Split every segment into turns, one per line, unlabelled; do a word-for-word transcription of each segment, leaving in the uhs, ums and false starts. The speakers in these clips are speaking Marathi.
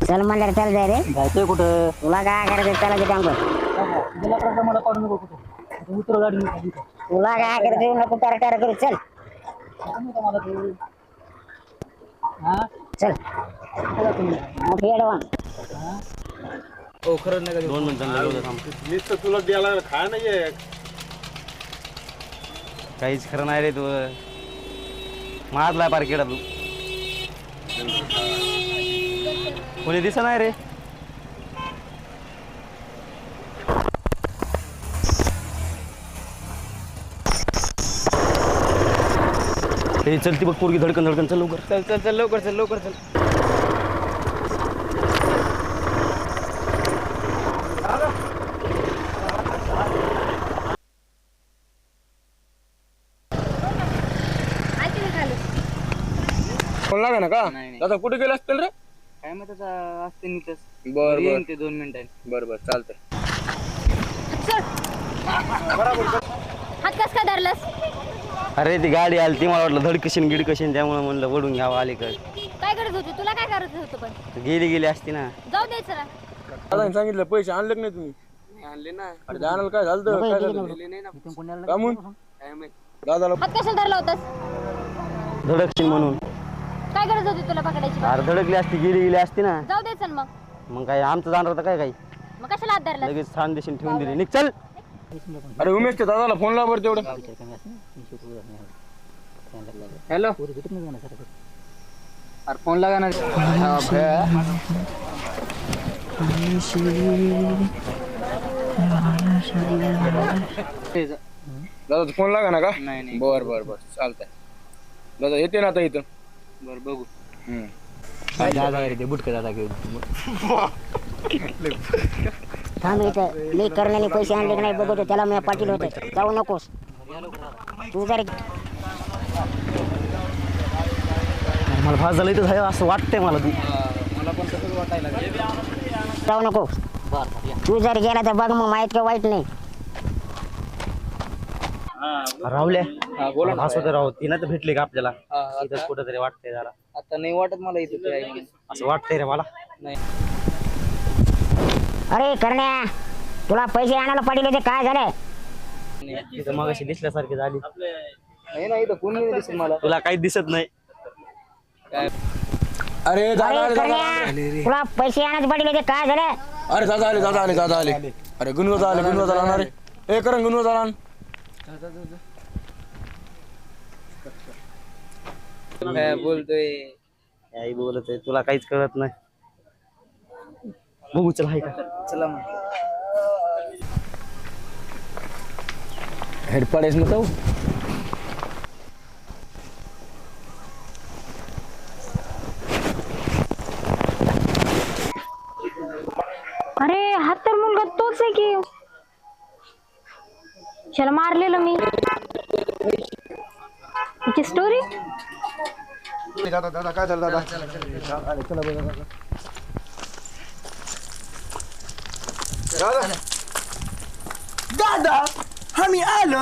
चल म्हणलं चल जाय रे.
जायचंय कुठं?
तुला काय करायचं चला की टांगो.
तुला कसं मला काढून नको कुठं उतर गाडी मी
तुला काय करायचं नको टार टार करू चल.
मला तू हा
चल मोठी अडवान.
हो खरं नाही दोन मिनिटांना
मीच तर तुला द्यायला खाय नाहीये.
काहीच खरं नाही रे तू मारलाय पारखेडा तू कोणी दिसत नाही रे. हे चलती बघ पोरगी धडकन धडकन चल लवकर
चल चल चल लवकर चल लवकर चल.
फोन लागा ना का दादा कुठे गेला असतील रे.
काय मग त्याचा असते नीटच.
बर
येईन ते दोन मिनिटांनी.
बर बर चालतंय.
हात कस काय धरलास?
अरे ती गाडी आली ती मला वाटलं धडकशीन गिडकशीन त्यामुळे म्हणलं वडून घ्यावं अलीकडे.
काय करत होती? तुला काय करत होतं पण?
गेली गेली असती ना.
जाऊ द्यायचं ना.
दादा सांगितलं पैसे आणले की नाही तुम्ही?
आणले ना.
अरे जाणार काय झालं तर काय झालं
नाही ना इथून पुण्याला
कामून
काय माहित.
दादाला
हात कशाला धरला होतास?
धडकशीन म्हणून.
काय करत होती तुला पकडायची?
अरे धडकली असती गेली गेली असती ना.
जाऊ द्यायचं ना मग.
मग काय आमचं जाणार होतं काय काही
मग कशाला हात धरला?
लगेच छान देशील ठेवून दिली निघ चल.
अरे उमेश दादाला फोन लाव बरं तेवढं.
हॅलो अरे फोन लागा ना.
दादा फोन लागा ना का.
नाही नाही
बर बर बर चालतंय. दादा येते ना आता इथं.
बर बघू.
दादा रे ते बुटके दादा घेऊन
थांब इथं मी करण्याने पैसे आणले की नाही बघतो त्याला मी पाटील होते. जाऊ नकोस तू जर
मला फास झालं इथं असं वाटतंय मला तू.
मला पण तसंच वाटायला लागलं.
जाऊ नको. तू जर गेला तर बघ मग माहित का वाईट नाही.
राहुल्या
हा बोला ना.
असं तर राहू ती ना तर भेटले का आपल्याला
हा,
इथं
आता
कुठं तरी वाटतंय जरा
आता नाही वाटत मला इथे काय म्हणून.
असं वाटतंय रे मला.
नाही
अरे करण्या तुला पैसे आणायला पाटील होते काय झालं?
तिथं मग अशी दिसल्यासारखी झाली.
नाही ना इथं कोणी नाही दिसत मला.
तुला काही दिसत नाही.
काय
अरे दादा
अरे
आले दादा
करण्या तुला पैसे आणायचे पाटील होते काय झालं?
अरे दादा आले दादा आले दादा आले. अरे गुणवत्ता आले गुणवत्ता आणणार रे. ए करण गुणवत्ता आण.
काय बोलतोय.
काही बोलत आहे तुला काहीच कळत नाही. बघू चल हाय का.
चला मग.
हेड पडेस ना तो.
अरे हात तर मुलगा तोच आहे की. त्याला मारलेलं मी. हिची स्टोरी.
दादा दादा काय झालं दादा. आले चला बघा दादा. दादा आम्ही आलो.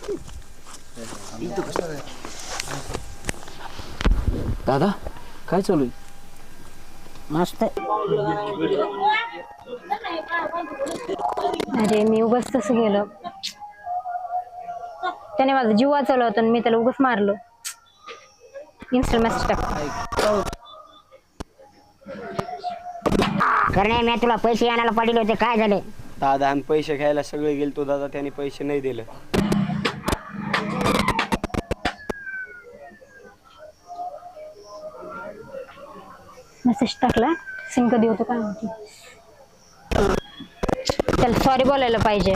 दादा काय चालू आहे?
मस्त.
अरे मी उगाच तसं गेलो. त्याने माझा जीव वाचवला होता आणि मी त्याला उगाच मारलो. इन्स्टा मेसेज टाक.
करण्या मी तुला पैसे आणायला पाटील होते काय झाले?
दादा आम्ही पैसे घ्यायला सगळे गेलतो दादा त्याने पैसे नाही दिले.
मेसेज टाकला. सिम कधी होतो काय माहिती. त्याला सॉरी बोलायला पाहिजे.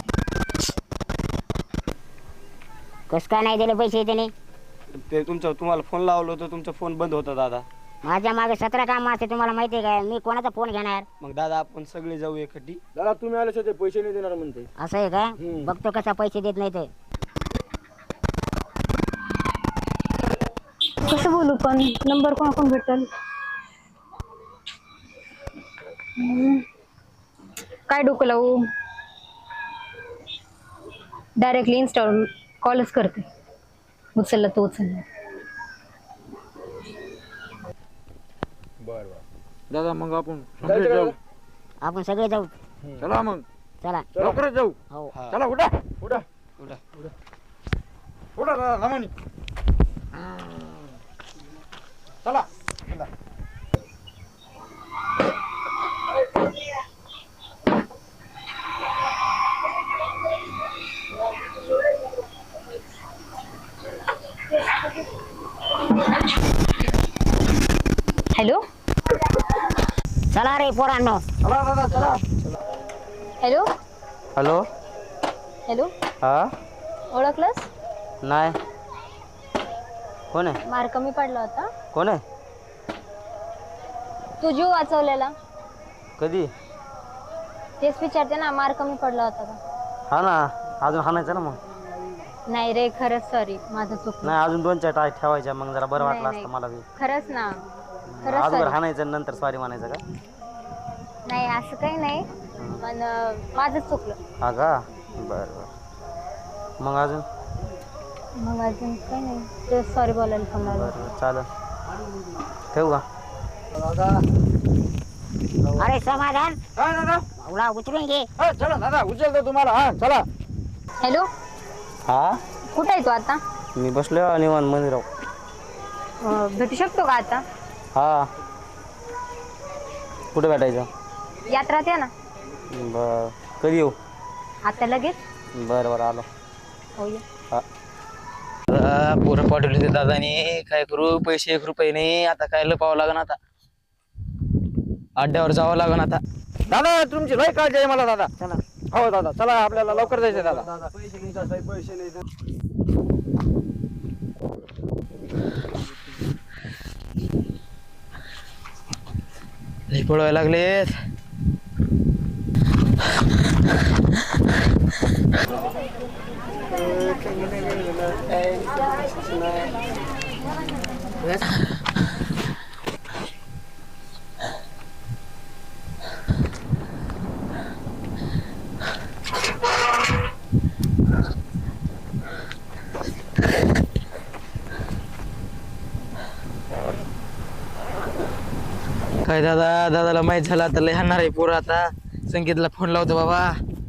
कस काय नाही दिले पैसे त्याने?
ते तुमचं तुम्हाला फोन लावलो होतो तुमचा फोन बंद होता दादा.
माझ्या मागे सतरा काम असते तुम्हाला माहिती आहे काय? मी कोणाचा फोन घेणार?
मग दादा आपण सगळे जाऊ एकटी.
दादा तुम्ही आले ते पैसे नाही देणार म्हणते.
असं आहे का? बघतो कसा पैसे देत नाही ते.
कसं बोलू पण नंबर कोण कोण भेटेल? काय डोकं लावू? डायरेक्टली इन्स्टावर कॉलच करते. उचलला तो उचलला.
बर बर
दादा मग आपण सगळे जाऊ.
आपण सगळे जाऊ.
चला मग
चला
लवकरच जाऊ.
हो
चला उठा उठा उठा उठा दादा लमानी. चला
हॅलो
चला रे पोरांनो.
चला दादा चला.
हॅलो
हॅलो
हॅलो
हा
ओळखलंस?
नाही कोण आहे
मार्क कमी पडला होता.
कोण आहे
तू जीव वाचवलेला
कधी
तेच विचारते ना, मार्क कमी पडला होता का?
हा ना अजून हाणायचं ना मग.
नाही रे खरंच सॉरी, माझं चुकलं.
नाही अजून दोन चार टाय ठेवायच्या मग जरा बरं
नाही,
वाटलं
नाही.
असतं मला बी.
खरंच ना, खरंच
अगोदर
sorry.
हाणायचं नंतर सॉरी म्हणायचं का?
नाही असं काही नाही, पण अं, माझंच चुकलं.
हा का बरं बरं मग अजून
मग अजून काही नाही, ते सॉरी बोलायला फोन लावला.
बरं चालेल ठेवू का?
अरे समाधान
हा दादा.
उला उचलून घे.
हा चला दादा उचलतो तुम्हाला. हा चला.
हॅलो
हा
कुठे आहे तू आता?
मी बसलो निवांत मंदिराव.
अं, भेटू शकतो का आता?
हा कुठे भेटायचं?
यात्रात या ना.
बर कधी येऊ?
आता लगेच.
बरं बरं आलो.
हो ये.
हा
पोरं पाठवले ते दादाने, काय करू पैसे एक रुपये नाही. आता काय लपावं लागन, आता अड्ड्यावर जावं लागन आता.
दादा तुमची लय काळजी आहे मला दादा.
चला
हो दादा चला आपल्याला लवकर जायचं दादा.
लय पळवायला लागलेत. काय दादा दादाला माहित झालं आता लय हाणणार आहे पोरं. आता संकेतला फोन लावतो बाबा.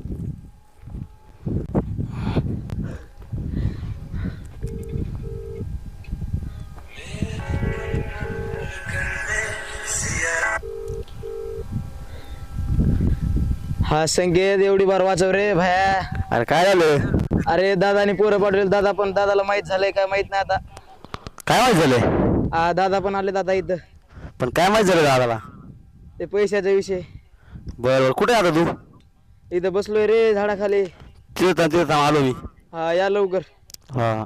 हा संकेत एवढी बार वाचव रे भाया.
अरे काय झालं?
अरे दादाने पोरं पाठवले. दादा पण दादाला माहित झालंय काय माहित नाही आता.
काय माहित झालं?
आ, दादा पण आले दादा इथं.
पण काय माहित झालं दादाला?
ते पैशाचा विषय.
बरं बरं कुठे आता तू?
इथं बसलोय रे झाडाखाली.
तिथं तिथं आलो मी.
हा या लवकर.
हा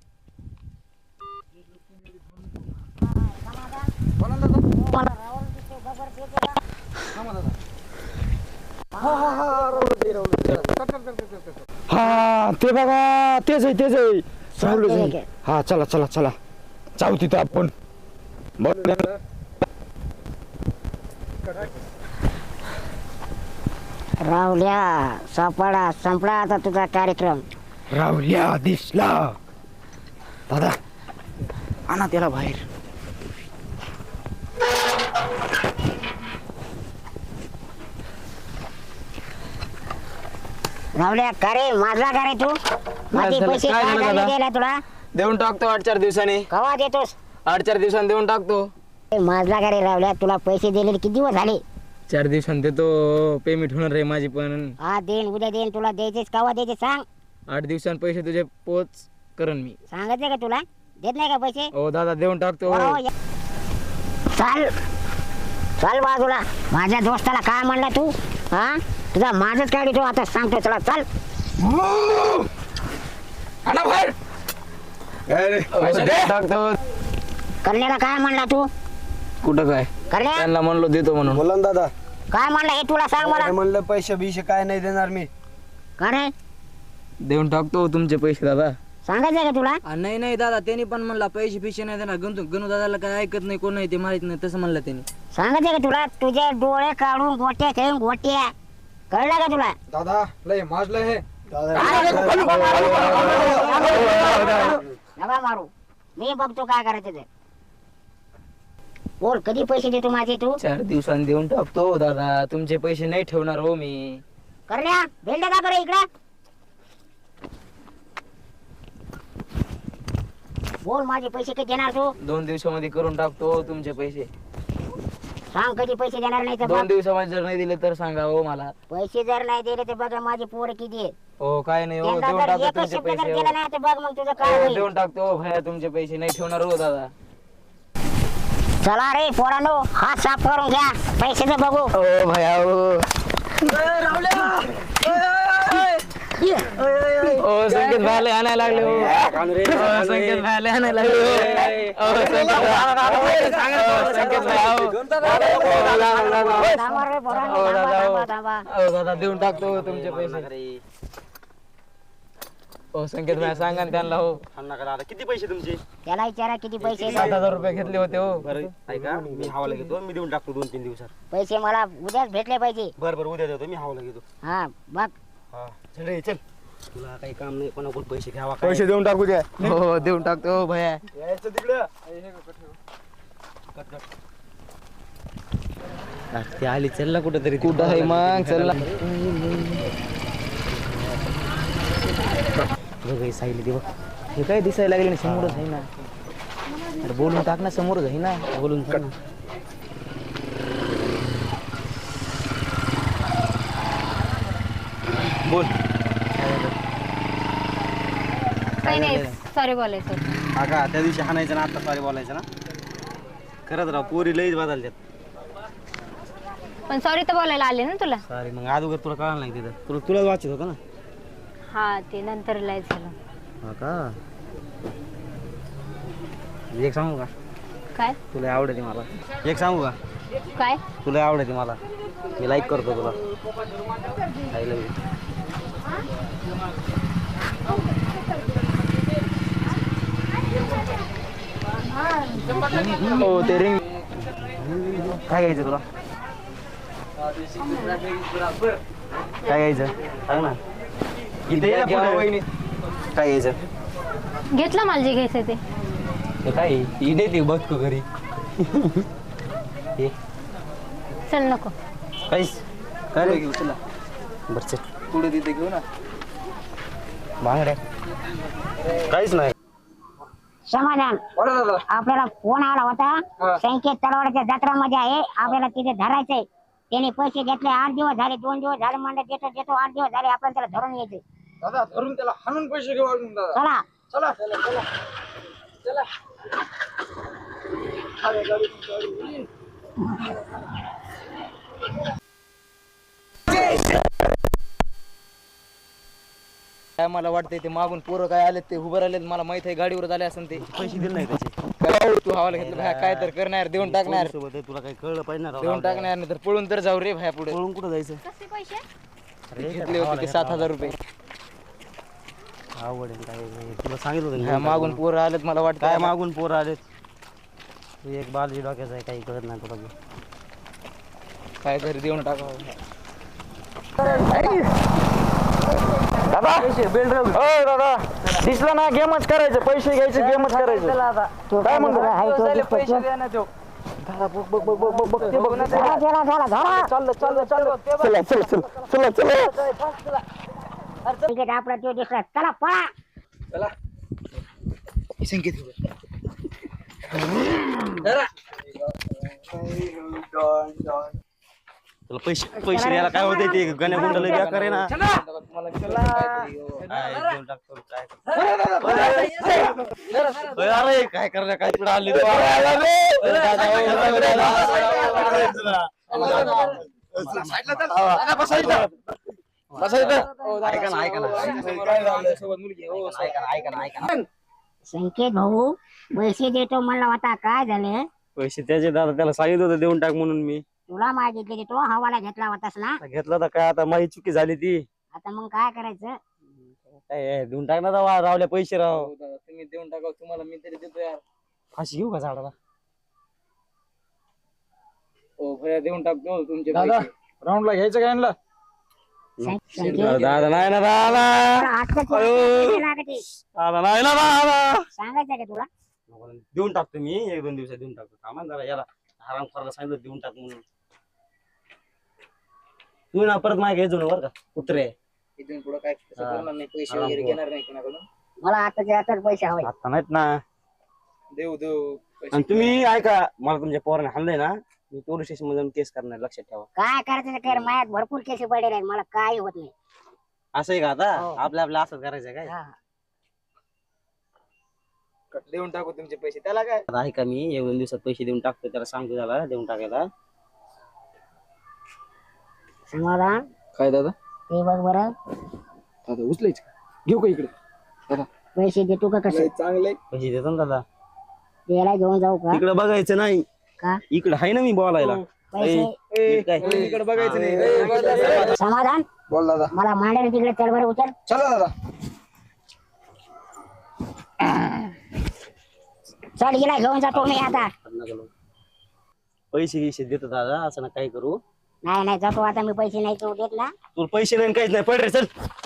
हा ते बघा तेच आहे तेच आहे. चालू आहे. हा चला चला चला जाऊ तिथं आपण.
रावल्या सापडा संपला आता तुझा कार्यक्रम.
रावल्या दिसला. दादा आणा त्याला बाहेर.
रावल्या का रे माझला का रे तू? माझे
झालं?
पैसे
काय
काय
झालं
झाले
दादा?
द्यायला तुला?
देऊन टाकतो आठ चार दिवसांनी.
कवा देतोस?
आठ चार दिवसांनी देऊन टाकतो.
ए, माझला का रे रावल्या? तुला पैसे दिलेले किती दिवस झाले?
चार दिवसांनी देतो. पेमेंट होणार आहे माझी पण.
हा देईन उद्या देईन. तुला द्यायचेच कवा द्यायचे सांग.
आठ दिवसांनी पैसे तुझे पोच करन मी.
सांगायचे का तुला? देत नाही का पैसे?
हो दादा देऊन टाकतो.
हो, या. चाल चाल बाजूला. माझ्या दोस्ताला काय म्हणला तू? हा तुझा माझच काढतो आता सांगतो. चला चाल.
आणा बाहेर.
पैसे देऊन टाकतो.
करण्याला काय म्हणला तू?
कुठं काय
करण्या
त्यांना म्हणलो देतो म्हणून.
बोला ना दादा.
काय म्हणलं हे तुला सांग मला.
काय म्हणलं पैसे बिशे काय नाही देणार मी.
का रे
देऊन टाकतो तुमचे पैसे दादा.
सांगायचं का तुला?
आ, नाही नाही दादा त्यांनी पण म्हणला पैसे पिशे नाही देणार. गणू गणू दादाला काय ऐकत नाही कोण नाही ते माहित नाही तसं म्हणलं त्यांनी.
सांगायचं का तुला? तुझे डोळे काढून गोट्या खेळून गोट्या. कळलं का तुला?
दादा लय माजलं हे.
नका मारू. मी बघतो काय करायचं ते. बोल कधी पैसे देतो माझे तू?
चार दिवसांनी देऊन टाकतो दादा, तुमचे पैसे नाही ठेवणार हो मी.
करण्या भेट का बरं इकडं. बोल माझे पैसे कधी देणार तू?
दोन दिवसामध्ये करून टाकतो तुमचे पैसे.
सांग कधी पैसे देणार नाही तर
दोन
बघ.
दिवसामध्ये जर नाही दिले तर सांगा हो मला.
पैसे जर नाही दिले तर बघा माझे पोर किती आहे.
हो काय नाही हो,
त्यांना
देऊन
जर
टाकतो
एकच
तुमचे
शब्द जर
पैसे
केला
हो.
नाही तर बघ मग तुझं काय
हो,
होईल.
देऊन टाकतो हो भैया, तुमचे पैसे नाही ठेवणार हो दादा.
चला रे पोरांनो हात साफ करून घ्या पैशाचं बघू.
हो भैया हो. ओ संकेत भाले आणायला लागले हो. ओ, संकेत भाले आणायला लागले हो. ओ, संकेत भाई. ओ, संकेत भाई हो.
थांबा रे पोरांनो,
हो,
थांबा,
दादा, हो.
थांबा, थांबा.
हो दादा, देऊन टाकतो तुमचे पैसे. हो संकेत भाई सांगा ना त्यांना हो.
किती पैसे तुमचे?
त्याला विचारा किती पैसे
सात हजार रुपये घेतले होते हो.
बरं ऐका, मी हवाला घेतो, मी देऊन टाकतो दोन तीन दिवसात.
पैसे मला उद्याच भेटले पाहिजे.
बरं बरं उद्या देतो, मी हवाला घेतो.
हा बघ
हा चल रे चल. तुला काही काम नाही, कोणाकडून पैसे घ्यावा
पैसे देऊन टाकू द्या.
हो देऊन टाकतो हो भैया.
यायचं तिकडं.
ते आली चल ना कुठेतरी.
कुठं आहे मग चल ना.
बघ साईली बघ.
हे काय दिसायला लागले समोरच आहे ना. अरे बोलून टाक ना, समोरच आहे ना.
बोलून कर ना. बोल.
काही नाही सॉरी बोलायचं होतं.
हा का त्या दिवशी हाणायचं ना, आता सॉरी बोलायचं ना. खरंच राव पोरी लईच बदलतात.
पण सॉरी तर बोलायला आले ना तुला.
सॉरी मग अगोदर तुला कळलं नाही तिथं. तुला तुलाच वाचत होतं ना.
हा ते नंतर लय झालं.
हा का. एक सांगू का,
काय
तुला आवडते मला. एक सांगू का,
काय
तुला आवडते मला. मी लाईक करतो तुला. I love you.
हो ते रिंग.
काय घ्यायचं तुला? काय घ्यायचं सांग ना. इथे ये ना पुढे. काय घ्यायचं?
घेतलं मला जे घ्यायचं ते.
हे काय इडे ती बघ तू घरी.
हे
चल नको.
काहीच काय रे घेऊ तुला. बरं चल
पुढे तिथे घेऊ ना.
बांगड्या काहीच नाही.
समाधान आपल्याला फोन आला होता. संकेत तलवाडच्या जत्रामध्ये आहे, आपल्याला तिथे धरायचंय. त्याने पैसे घेतले, आठ दिवस झाले, दोन दिवस झाले म्हणलं देतो देतो, आठ दिवस झाले आपण त्याला धरून यायचे.
दादा धरून त्याला हाणून पैसे घेऊ आपण दादा.
चला
चला चला चला.
काय मला वाटतंय ते मागून पोरं काय आलेत ते उभं राहिलेत. मला माहित आहे गाडीवर आले असं ते.
पैसे दिले नाही त्याचे.
काय तू हवाला घेतलं भाया, काय तर करणार, देऊन टाकणार.
सोबत आहे, तुला काही कळलं पाहिजे ना राव.
देऊन टाकणार नाही तर पळून तर जाऊ रे भाया पुढे.
पळून कुठं जायचं?
कसे पैसे?
अरे
घेतले होते ते सात हजार रुपये.
आवड आहे काय. तुला सांगितलं होतं
हा,
ना.
मागून पोरं आलेत मला वाटतं.
काय मागून पोरं आलेत. तू एक बालजी डोक्याचा आहे, काही कळत नाही तुला.
काय घरी देऊन टाकावं.
दादा ओ दादा दिसलं ना, गेमच करायचं. पैसे घ्यायचे, गेमच करायचं. काय म्हणतो?
पैसे द्या ना तो.
दादा बघ बघ बघ बघ बघ ते बघ ना.
चला चला चला धरा.
चाललं चाललं चाललं. चला चला चला चला चला.
तिकीट आपला तो दिसला. चला पळा.
तुला पैसे पैसे द्यायला काय होते ते गण्या गुंडाला बेकार आहे ना. काय देऊन टाकतो, काय करतो. अरे काय करणार, काय पुढे आले. ऐका ना ऐका ना ऐका ना ऐका ना.
संकेत भाऊ पैसे देतो म्हणला होता, काय झाले?
पैसे त्याचे दादा त्याला सांगितलं होतं देऊन टाक म्हणून. मी
तुला मागितले ते तो हवाला घेतला होतास ना.
घेतला तर काय आता माझी चुकी झाली ती.
आता मग काय करायचं?
काय देऊन टाक ना दावा, रावल्या पैसे राव.
हो दादा, तुम्ही देऊन टाका, तुम्हाला मी तरी देतो यार.
फाशी घेऊ का झाडाला?
हो भैया देऊन टाकतो तुमचे
दादा
पैसे.
राऊंडला घ्यायचं काय आणला.
संकेत
दादा नाही ना दादा.
आजचं पैसे लागते.
दादा नाही ना दादा.
सांगायचं का तुला?
देऊन टाकतो मी, एक दोन दिवसात देऊन टाकतो. थांबा जरा याला आराम करायला सांगितलं देऊन टाक म्हणून. तू ना परत मागे घ्यायचो ना बरं का कुत्रे.
इथून पुढे काय तसं
हा.
करणार नाही, पैसे
आराम
वगैरे
कर.
घेणार नाही कोणाकडून.
मला आताच्या आताच पैसे हवे.
आता नाहीत ना.
देऊ देऊ पैसे.
आणि तुम्ही ऐका मला तुमच्या पोराने हाणलंय ना मी पोलीस स्टेशन मध्ये जाऊन केस करणार लक्षात ठेवा.
काय करायचं ते कर, माझ्यात भरपूर केस पडलेले आहेत, मला काय होत नाही.
असं आहे का आता
हो.
आपल्या आपल्या असं करायचं काय.
हा.
देऊन टाकू तुमचे पैसे, त्याला काय.
आता ऐका मी एक दोन दिवसात पैसे देऊन टाकतो त्याला सांगतो त्याला देऊन टाकायला.
समाधान
काय दादा
ते बघ बरं,
दादा उचलायच घेऊ का इकडे.
पैसे देतो का कसं?
चांगले
पैसे देतो ना दादा.
त्याला घेऊन जाऊ का?
इकडे बघायचं नाही
का
इकडे आहे ना मी बोलायला.
पैसे
ए, काय
इकडे बघायचं नाही.
समाधान
बोल दादा.
मला मांडायला तिकडे चल बरं, उचल.
चला दादा.
चल गेला घेऊन जातो मी आता.
पैसे गिसे देतो दादा असं ना काही करू.
नाही नाही जातो आता मी, पैसे नाही तू देत ना.
तुला पैसे नाही काहीच नाही पड रे चल.